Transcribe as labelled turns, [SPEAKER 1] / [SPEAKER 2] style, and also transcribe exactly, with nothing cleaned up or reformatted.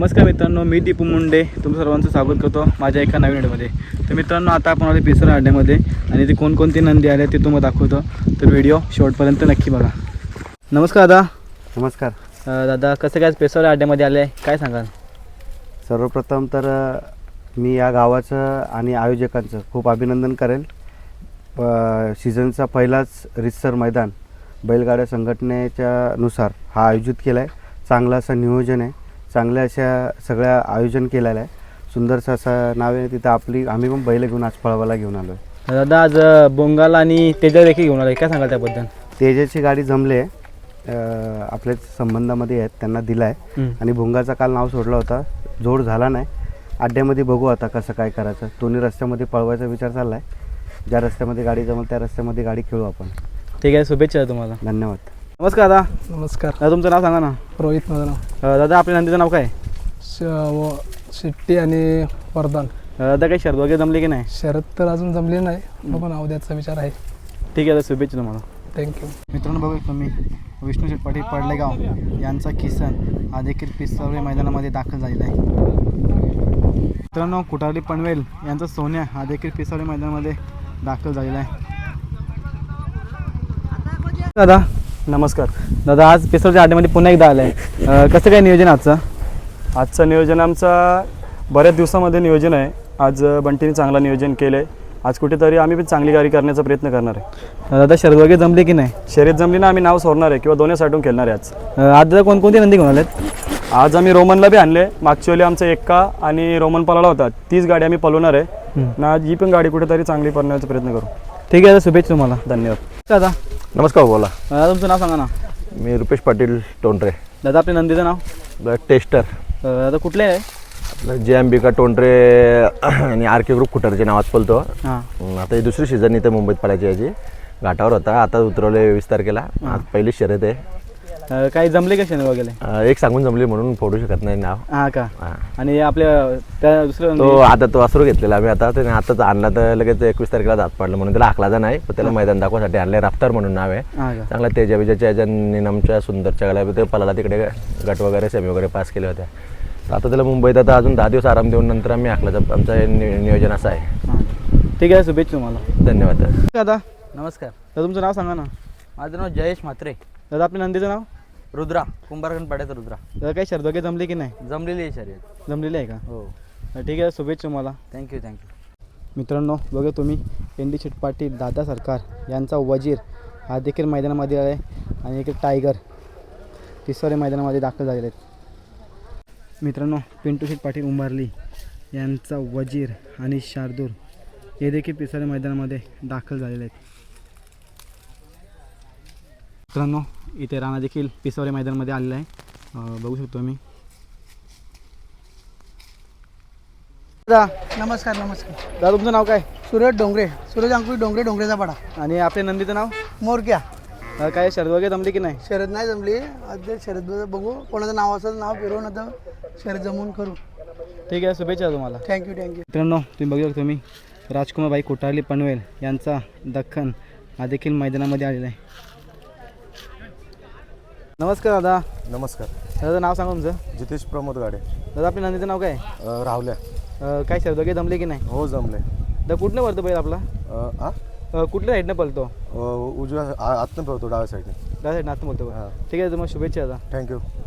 [SPEAKER 1] नमस्कार मित्रांनो, मी दीपू मुंडे तुमचं सर्वांचं स्वागत करतो माझ्या एका नवीन व्हिडिओमध्ये. तर मित्रांनो, आता आपण आले पेसर अड्ड्यामध्ये आणि ते कोणकोणती नंदी आले ते तुम्हाला दाखवतो. तर व्हिडिओ शेवटपर्यंत नक्की बघा. नमस्कार दादा.
[SPEAKER 2] नमस्कार
[SPEAKER 1] अ, दादा कसं काय पेसर अड्ड्यामध्ये आले काय सांगाल?
[SPEAKER 2] सर्वप्रथम तर अ, मी या गावाचं आणि आयोजकांचं खूप अभिनंदन करेल. प सीझनचा पहिलाच रितसर मैदान बैलगाड्या संघटनेच्या नुसार हा आयोजित केला आहे. चांगलं असं नियोजन आहे, चांगल्या अशा सगळ्या आयोजन केलेलं आहे. सुंदरसं असं नाव आहे तिथं. आपली आम्ही पण बैल घेऊन आज पळवायला घेऊन आलो आहे.
[SPEAKER 1] दादा आज बोंगाल आणि तेजा देखील घेऊन आले, काय सांगाल त्याबद्दल?
[SPEAKER 2] तेजाची गाडी जमली आहे, अ, आपल्या संबंधामध्ये आहेत, त्यांना दिला आहे. आणि भुंगाचा काल नाव सोडला होता, जोड झाला नाही. अड्ड्यामध्ये बघू आता कसं काय करायचं. दोन्ही रस्त्यामध्ये पळवायचा विचार चालला आहे. ज्या रस्त्यामध्ये गाडी जमल त्या रस्त्यामध्ये गाडी खेळू आपण.
[SPEAKER 1] ठीक आहे, शुभेच्छा तुम्हाला.
[SPEAKER 2] धन्यवाद.
[SPEAKER 1] नमस्कार दादा.
[SPEAKER 3] नमस्कार.
[SPEAKER 1] दादा तुमचं नाव सांगा ना.
[SPEAKER 3] रोहित माझं नाव.
[SPEAKER 1] अ, दादा आपल्या नंदीचं नाव काय?
[SPEAKER 3] श व शिट्टी आणि वरदान.
[SPEAKER 1] अ, दादा काही शर्द वगैरे जमली की नाही?
[SPEAKER 3] शरद तर अजून जमले नाही, बघू नाव द्यायचा विचार आहे.
[SPEAKER 1] ठीक आहे दादा, शुभेच्छा तुम्हाला.
[SPEAKER 3] थँक्यू.
[SPEAKER 1] मित्रांनो, बघू तुम्ही विष्णू शेठ पाटील पडलेगाव यांचा किसन हा देखील पिसावळे मैदानामध्ये दाखल झालेला आहे. मित्रांनो, कुटारली पनवेल यांचा सोन्या हा देखील पिसावळे मैदानामध्ये दाखल झालेला आहे. दादा
[SPEAKER 4] नमस्कार.
[SPEAKER 1] दादा आज पिसावळच्या अड्ड्यामध्ये पुन्हा एकदा आलं आहे, कसं काय नियोजन आजचं?
[SPEAKER 4] आजचं नियोजन आमचा बऱ्याच दिवसामध्ये नियोजन आहे. आज बंटीने चांगला नियोजन केलं आहे. आज कुठेतरी आम्ही पण चांगली गाडी करण्याचा प्रयत्न करणार आहे.
[SPEAKER 1] दादा शर्द वगैरे जमले की नाही?
[SPEAKER 4] शर्यत जमली ना आम्ही नाव सोडणार आहे किंवा दोन्ही साठून खेळणार आहे आज.
[SPEAKER 1] अ, आज दादा कोणकोणते नंदी घेऊन आलेत?
[SPEAKER 4] आज आम्ही रोमनला बी आणले. मागच्या वेळी आमचा एक्का आणि रोमन पळाला होता, तीच गाडी आम्ही पळवणार आहे ना. आज ही पण गाडी कुठेतरी चांगली पळण्याचा प्रयत्न करू.
[SPEAKER 1] ठीक आहे दादा, शुभेच्छा तुम्हाला.
[SPEAKER 4] धन्यवाद.
[SPEAKER 1] दादा
[SPEAKER 5] नमस्कार. बोला.
[SPEAKER 1] दादा तुमचं नाव सांगा ना.
[SPEAKER 5] मी रुपेश पाटील टोंडरे.
[SPEAKER 1] दादा आपल्या नंदीचं नाव?
[SPEAKER 5] टेस्टर.
[SPEAKER 1] अ, दादा कुठले आहे?
[SPEAKER 5] आपलं जे अंबिका टोंडरे आणि आर के ग्रुप कुटारच्या नावात पळतो.
[SPEAKER 1] हां.
[SPEAKER 5] आता ही दुसरी सीझन इथे मुंबईत पडायची याची. घाटावर होता, आता उतरवले वीस तारखेला. आज पहिली शर्यत आहे.
[SPEAKER 1] अ, काही जमले का शेण वगैरे?
[SPEAKER 5] अं, एक सांगून जमली म्हणून फोडू शकत नाही नाव.
[SPEAKER 1] हां का?
[SPEAKER 5] हां.
[SPEAKER 1] आणि आपल्या त्या दुसरं
[SPEAKER 5] तो आता तो वासरू घेतलेला आम्ही. आता त्याने आताच आणला तर लगेच एकवीस तारखेला दात पडलं म्हणून त्याला हाकलाचा नाही, पण त्याला मैदान दाखवासाठी आणले. राफ्तार म्हणून नाव आहे.
[SPEAKER 1] हां का?
[SPEAKER 5] चांगला तेजा विजयच्या याच्या निनामच्या सुंदरच्या गाड्या ते पलाला तिकडे गट वगैरे सेमी वगैरे पास केले होते. तर आता त्याला मुंबईत आता अजून दहा दिवस आराम देऊन नंतर आम्ही हाकलाचं आमचं हे नि नियोजन असं आहे.
[SPEAKER 1] हां. ठीक आहे, शुभेच्छा तुम्हाला.
[SPEAKER 5] धन्यवाद.
[SPEAKER 1] दादा
[SPEAKER 6] नमस्कार.
[SPEAKER 1] दादा तुमचं नाव सांगा ना.
[SPEAKER 6] माझं नाव जयेश म्हात्रे.
[SPEAKER 1] दादा आपल्या नंदीचं नाव?
[SPEAKER 6] रुद्रा, कुंभारखंड पाड्याचा रुद्रा.
[SPEAKER 1] दादा काही शर्द वगैरे जमली की नाही?
[SPEAKER 6] जमलेली आहे शर्यत.
[SPEAKER 1] जमलेली आहे का?
[SPEAKER 6] हो.
[SPEAKER 1] ठीक आहे, शुभेच्छा तुम्हाला.
[SPEAKER 6] Thank you thank you.
[SPEAKER 1] मित्रांनो, बघा तुम्ही एन डी शेठ पाटील दादा सरकार यांचा वजीर हा देखील मैदानामध्ये आहे आणि एक टायगर तिसरे मैदानामध्ये दाखल झालेले आहेत. मित्रांनो, पिंटू शेठ पाटील उंबारली यांचा वजीर आणि शार्दूर हे देखील तिसऱ्या मैदानामध्ये दाखल झालेले आहेत. मित्रांनो, इथे राणा देखील पिसावरे मैदानामध्ये आलेला आहे, अं, बघू शकतो मी. दादा
[SPEAKER 3] नमस्कार. नमस्कार.
[SPEAKER 1] दादा तुमचं नाव काय?
[SPEAKER 3] सूरज डोंगरे, सूरज अंकुश डोंगरे, डोंगरेचा पाडा.
[SPEAKER 1] आणि आपल्या नंदीचं नाव?
[SPEAKER 3] मोरक्या.
[SPEAKER 1] अं, काय शर्द वगैरे जमली की नाही?
[SPEAKER 3] शरद नाही जमली, आज शरद बघू, कोणाचं नाव असेल नाव फिरवून आता शरद जमून करू.
[SPEAKER 1] ठीक आहे, शुभेच्छा तुम्हाला.
[SPEAKER 3] Thank you thank you.
[SPEAKER 1] मित्रांनो, तुम्ही बघू शकता तुम्ही राजकुमारबाई कोटारली पनवेल यांचा दख्खन हा देखील मैदानामध्ये आलेला आहे. नमस्कार दादा.
[SPEAKER 2] नमस्कार.
[SPEAKER 1] दादा नाव सांगा तुमचं.
[SPEAKER 2] जितेश प्रमोद गाडे.
[SPEAKER 1] दादा आपल्या नंदीचं नाव काय?
[SPEAKER 2] राहुल्या.
[SPEAKER 1] अं, काय शर्द वगैरे जमले की नाही?
[SPEAKER 2] हो जमले.
[SPEAKER 1] दादा कुठलं पळतो बैल आपला? अं, कुठल्या साईडनं पळतो?
[SPEAKER 2] उजव्या आतनं पळतो, डाव्या साईडने.
[SPEAKER 1] डाव्या साईडनं आतनं बोलतो.
[SPEAKER 2] हां.
[SPEAKER 1] ठीक आहे, तुम्हाला शुभेच्छा दादा.
[SPEAKER 2] थँक्यू.